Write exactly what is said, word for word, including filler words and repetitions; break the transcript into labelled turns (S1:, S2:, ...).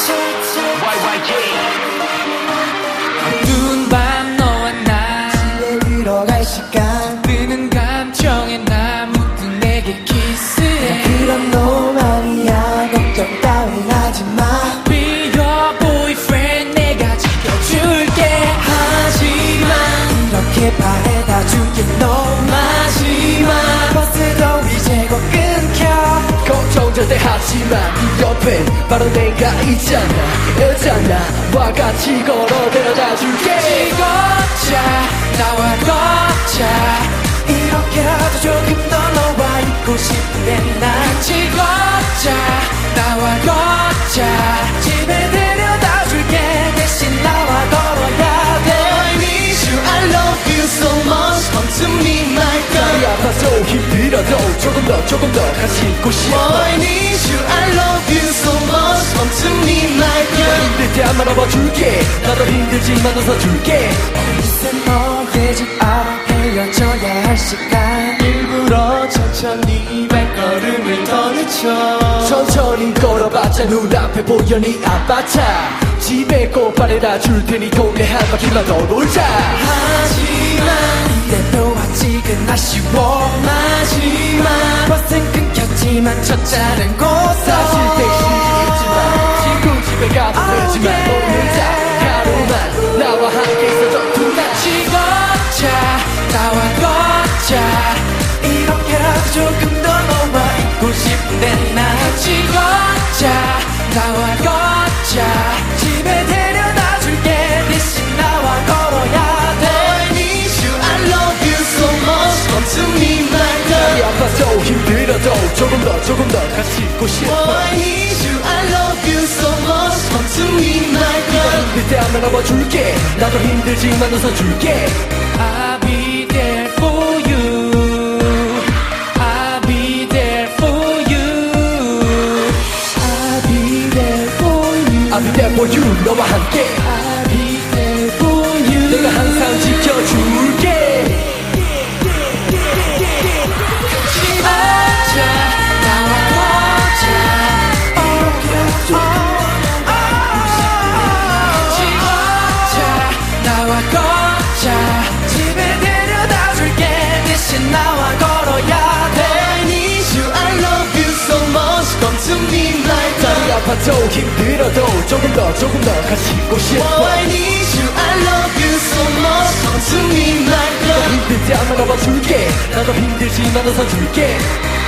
S1: 어두운 밤 너와 나
S2: 집에 들어갈 시간
S1: 뜨는 감정에 나 묻은 내게 키스해
S2: 그런 놈 아니야 걱정 따윈 하지마
S1: Be your boyfriend 내가 지켜줄게 하지만
S2: 이렇게 바래다 줄게 너
S1: 마지막
S2: 버스도 이제 곧 끊겨
S3: 걱정 절대 하지마 네 옆엔 바로 내가 있잖아 여자나 와 같이 걸어 데려다 줄게
S1: 걷자 나와 걷자
S2: 이렇게라도 조금 더 너와 있고 싶은데 난
S1: 같이 걷자 나와 걷자
S2: 집에 데려다 줄게 대신 나와 걸어야 돼
S3: I need you, I love you so much Come to me my girl 다리 아파도 힘들어도 조금 더 조금 더 같이 있고 싶어 I need you, I love you so much Come to me my girl 힘들 때 안 안아봐줄게 나도 힘들지만 웃어줄게
S2: 어느새 너의 집 앞 헤어져야 할 시간 일부러 천천히 발걸음을 더 늦춰
S3: 천천히 걸어봤자 눈앞에 보여 네 아파트 집에 꽃바래다 줄 테니 동네 한 바퀴만 더 돌자
S2: 하지만 이래도 아직은 아쉬워
S1: 마지막
S2: 버스는 끊겼지만 첫차는 고속
S3: 사실 택시 있지만 친구 집에 가도 되지만 오늘자 하루만 나와 함께 있어줘 tonight
S1: 같이 걷자 나와 걷자
S2: 이렇게라도 조금 더 너와 있고 싶은데 난
S1: 같이 걷자 나와 걷자
S2: 집에 데려다 줄게 대신 나와 걸어야 돼
S3: I need you, I love you so much Come to me my girl 다리 아파도 힘들어도 조금 더 조금 더 같이 있고 싶어 I need you, I love you so much Come to me my girl 힘들 때 안 안아봐줄게 나도 힘들지만 웃어줄게
S1: I'll be there for you I'll be there for you
S2: I'll be there for you
S3: I'll be there for you 너와 함께
S2: I'll be there for you
S3: 내가 항상 지켜줄게
S1: 걷자 나와 걷자 같이 걷자 나와 걷자
S2: 집에 데려다 줄게 대신 나와 걸어야 돼
S3: I need you, I love you so much Come to me like 다리 아파도 힘들어도 조금 더 조금 더 같이 있고 싶어 I need you, I love you so much Come to me like 힘들 때 안 안아봐줄게 나도 힘들지만 웃어줄게